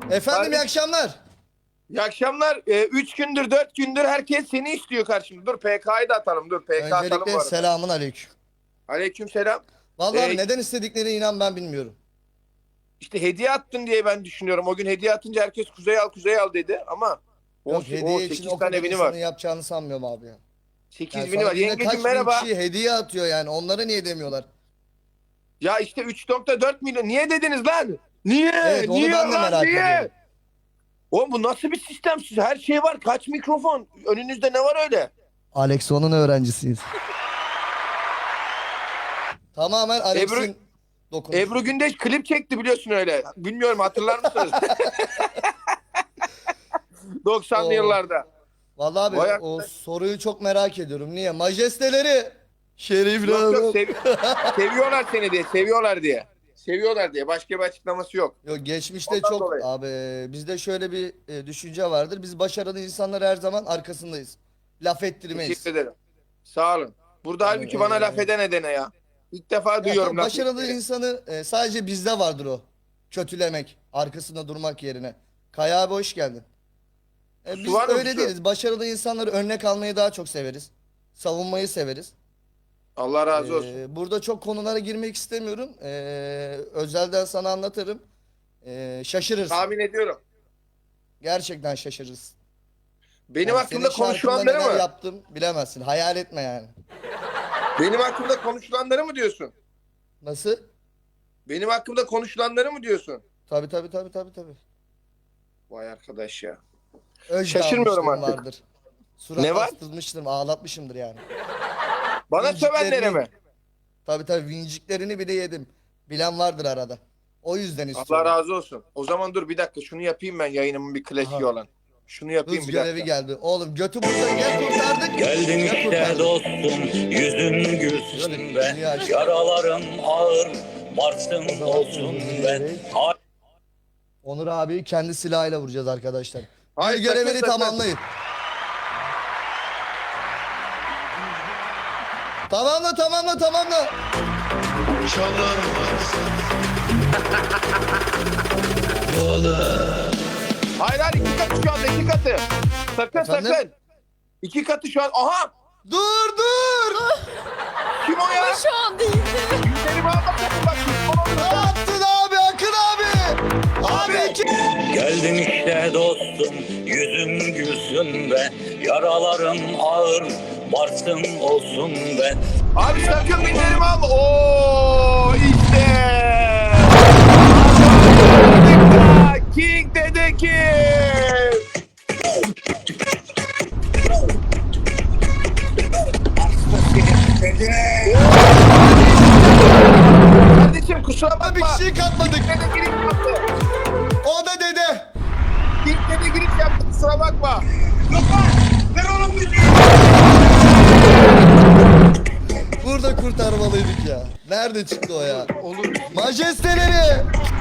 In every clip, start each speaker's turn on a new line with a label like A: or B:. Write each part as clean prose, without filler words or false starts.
A: Efendim iyi akşamlar.
B: İyi akşamlar. 3 gündür 4 gündür herkes seni istiyor karşımda. Dur PK'yı da atalım. Dur PK atalım bu
A: Öncelikle
B: arada.
A: selamun aleyküm.
B: Aleykümselam.
A: Vallahi abi neden istediklerini inan ben bilmiyorum.
B: İşte hediye attın diye ben düşünüyorum. O gün hediye atınca herkes kuzey al kuzey al dedi ama
A: Yok
B: o
A: hediye için
B: 8
A: o kadar
B: tane bini
A: insanın
B: var.
A: yapacağını sanmıyorum abi ya.
B: 8
A: Yani
B: bini
A: sana
B: var.
A: günde
B: Yengecim
A: kaç bin
B: merhaba.
A: kişi hediye atıyor yani onlara niye demiyorlar?
B: Ya işte 3.4 milyon. Niye dediniz lan? Niye?
A: Evet, onu
B: Niye
A: ben de
B: lan?
A: merak
B: Niye?
A: ediyorum.
B: Oğlum bu nasıl bir sistem? Siz her şey var. Kaç mikrofon? Önünüzde ne var öyle?
A: Alexon'un öğrencisiyiz. Tamamen Alex'in dokunuşu.
B: Ebru Gündeş klip çekti biliyorsun öyle. Bilmiyorum hatırlar mısınız? 90'lı
A: Oo.
B: yıllarda.
A: Vallahi abi
B: Vay
A: o soruyu çok merak ediyorum. Niye? Majesteleri. Şerifler.
B: Yok yok seviyorlar seni diye. Seviyorlar diye. Seviyorlar diye. Başka bir açıklaması yok.
A: Yok geçmişte
B: Ondan
A: çok
B: dolayı.
A: abi bizde şöyle bir düşünce vardır. Biz başarılı insanlar her zaman arkasındayız. Laf ettirmeyiz.
B: Teşekkür ederim. Sağ olun. Burada
A: Yani,
B: halbuki bana laf edene dene ya. İlk defa
A: Ya
B: duyuyorum
A: tabii
B: laf
A: başarılı
B: ettiğini.
A: insanı sadece bizde vardır o. Kötülemek, arkasında durmak yerine. Kaya abi hoş geldin. Biz
B: var mı
A: öyle
B: su?
A: değiliz. Başarılı insanları örnek almayı daha çok severiz. Savunmayı severiz.
B: Allah razı olsun.
A: Burada çok konulara girmek istemiyorum. Özelden sana anlatırım. Şaşırırsın.
B: Tahmin ediyorum.
A: Gerçekten şaşırırsın.
B: Benim
A: Yani
B: hakkında
A: senin şarkında
B: konuşulanları
A: neler
B: mı?
A: yaptım bilemezsin. Hayal etme yani.
B: Benim hakkımda konuşulanları mı diyorsun?
A: Nasıl?
B: Benim hakkımda konuşulanları mı diyorsun?
A: Tabii tabii tabii tabii tabii.
B: Vay arkadaş ya.
A: Öc
B: Şaşırmıyorum
A: dağılmışlığım
B: artık.
A: vardır. Surat
B: Ne var?
A: astırmıştım, ağlatmışımdır yani.
B: Bana sövenlere mi?
A: Tabii tabii vinciklerini bile yedim. Bilen vardır arada. O yüzden istiyorum.
B: Allah razı olsun. O zaman dur bir dakika şunu yapayım ben yayınımın bir klasiği
A: Aha.
B: olan. Şunu yapayım
A: Hız
B: bir
A: görevi
B: dakika.
A: geldi. Oğlum götü burada gel kurtardık.
C: Geldin
A: Gel
C: işte
A: kurtardık.
C: dostum, yüzün gülsün be.
A: dünya işte.
C: Yaralarım ağır, varsın olsun be.
A: Onur abiyi kendi silahıyla vuracağız arkadaşlar.
B: Hayır,
A: Bir görevini
B: sakın, sakın.
A: tamamlayın. Tamamla tamamla tamamla.
B: Hayır hayır iki katı şu anda iki katı. Sakın
A: Efendim?
B: sakın. İki katı şu an. Aha!
A: Dur dur.
B: Kim o ya?
D: Şu an değildi.
B: Yüzlerimi almasın bak.
A: Ne yaptın abi Akın abi? Abi iki...
C: Geldin işte dostum, yüzün gülsün be. Yaralarım ağır, varsın olsun be.
B: Abi sakın binlerimi alma. Oo işte. King dedi ki. Kardeşim kusura
A: Bir
B: bakma.
A: şey katmadık.
B: King dede giriş yaptı.
A: O da dede.
B: King dede giriş yaptı kusura bakma.
A: Burada kurtarmalıydık ya. Nerede çıktı o ya?
B: Olur.
A: Majesteleri.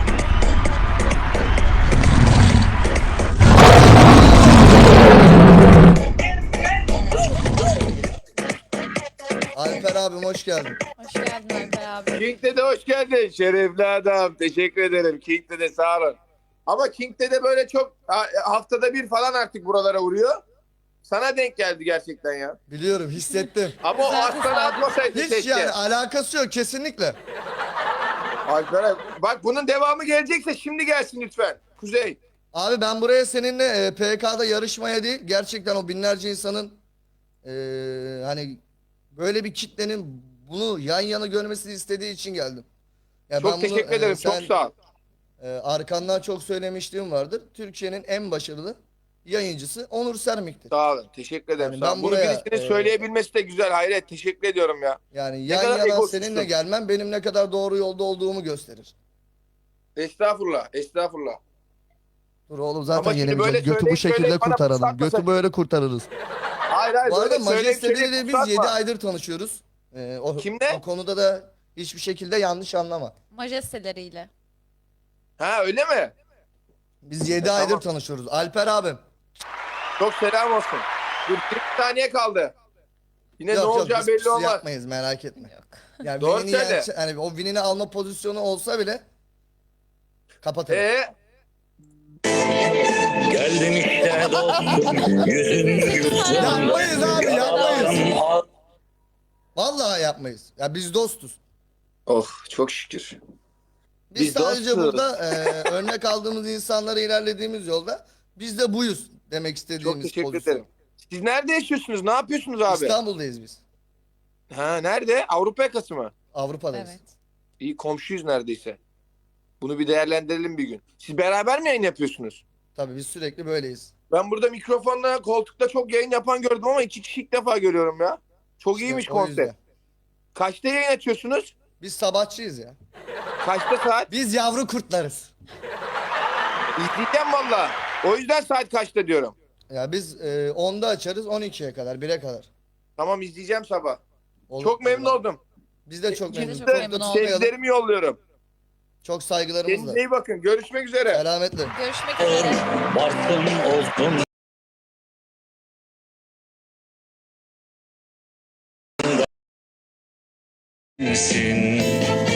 A: Alper abim hoş geldin.
D: Hoş geldin Alper abi.
B: King dede hoş geldin. Şerefli adam. Teşekkür ederim. King dede sağ olun. Ama King dede böyle çok haftada bir falan artık buralara uğruyor. Sana denk geldi gerçekten ya.
A: Biliyorum hissettim.
B: Ama o
D: Zaten
B: aslan atmasaydı
A: Hiç
B: keşke.
A: yani alakası yok kesinlikle.
B: Alperen, bak bunun devamı gelecekse şimdi gelsin lütfen. Kuzey.
A: Abi ben buraya seninle PK'da yarışmaya değil gerçekten o binlerce insanın hani böyle bir kitlenin bunu yan yana görmesini istediği için geldim. Ya
B: Çok
A: ben bunu,
B: teşekkür ederim.
A: sen,
B: Çok sağ ol.
A: Arkandan çok söylemişliğim vardır. Türkiye'nin en başarılı yayıncısı Onur Sermik'tir.
B: Sağ olun. Teşekkür ederim.
A: Yani
B: sağ olun.
A: ben
B: Bunu
A: buraya,
B: birisinin söyleyebilmesi de güzel. Hayret. Teşekkür ediyorum ya.
A: Yani
B: Ne
A: yan
B: kadar
A: yana
B: egosuzsun.
A: seninle gelmem benim ne kadar doğru yolda olduğumu gösterir.
B: Estağfurullah. Estağfurullah.
A: Dur oğlum zaten
B: Ama şimdi
A: yenemeyeceğiz.
B: böyle
A: Götü bu
B: söyleyip
A: şekilde
B: söyleyip bana
A: kurtaralım.
B: fırsatmasak-
A: Götü böyle kurtarırız.
B: Hayır hayır.
A: Bu arada
B: böyle söyleyip
A: Majesteleri
B: söyleyip
A: biz 7
B: fırsatma.
A: aydır tanışıyoruz.
B: Kimle?
A: O konuda da hiçbir şekilde yanlış anlama.
D: Majesteleriyle.
B: Ha öyle mi?
A: Biz 7
B: tamam.
A: aydır tanışıyoruz. Alper abim.
B: Çok selam olsun. Dur 20 saniye kaldı. Yine ne olacağı
A: biz
B: belli
A: pusu
B: olmaz.
A: yapmayız merak etme.
D: Yok.
A: Yani
B: Doğru
A: winini
B: söyle.
A: hani o winini alma pozisyonu olsa bile kapatırız.
C: Geldim işte dostum, yüzüm gülsün
A: Yapmayız
C: be.
A: abi,
C: Yaralarım
A: yapmayız.
C: ağır.
A: Vallahi yapmayız. Ya biz dostuz.
B: Oh çok şükür.
A: Biz
B: Biz
A: sadece
B: dostuz.
A: burada örnek aldığımız insanlara ilerlediğimiz yolda biz de buyuz demek
B: Çok
A: istediğimiz
B: teşekkür
A: pozisyon.
B: ederim. Siz nerede yaşıyorsunuz? Ne yapıyorsunuz abi?
A: İstanbul'dayız biz.
B: Ha nerede? Avrupa yakası mı?
A: Avrupa'dayız.
D: Evet.
B: İyi komşuyuz neredeyse. Bunu bir değerlendirelim bir gün. Siz beraber mi yayın yapıyorsunuz?
A: Tabii biz sürekli böyleyiz.
B: Ben burada mikrofonla koltukta çok yayın yapan gördüm ama 2 kişi ilk defa görüyorum ya. Çok
A: İşte
B: iyiymiş
A: o
B: konsept.
A: yüzden.
B: Kaçta yayın açıyorsunuz?
A: Biz sabahçıyız ya.
B: Kaçta saat?
A: Biz yavru kurtlarız.
B: İzleyeceğim valla. O yüzden saat kaçta diyorum.
A: Ya biz 10'da açarız 12'ye kadar 1'e kadar.
B: Tamam izleyeceğim sabah.
A: Olur.
B: Çok memnun oldum.
A: Biz de çok
D: Biz de
A: memnunuz.
D: çok
A: Çok
D: memnun
A: da
D: olduk.
A: tutmayalım.
B: Sevgilerimi yolluyorum.
A: Çok saygılarımızla.
B: Kendinize iyi bakın. Görüşmek üzere.
A: Selametle.
D: Görüşmek üzere.
C: Varsın olsun bensin.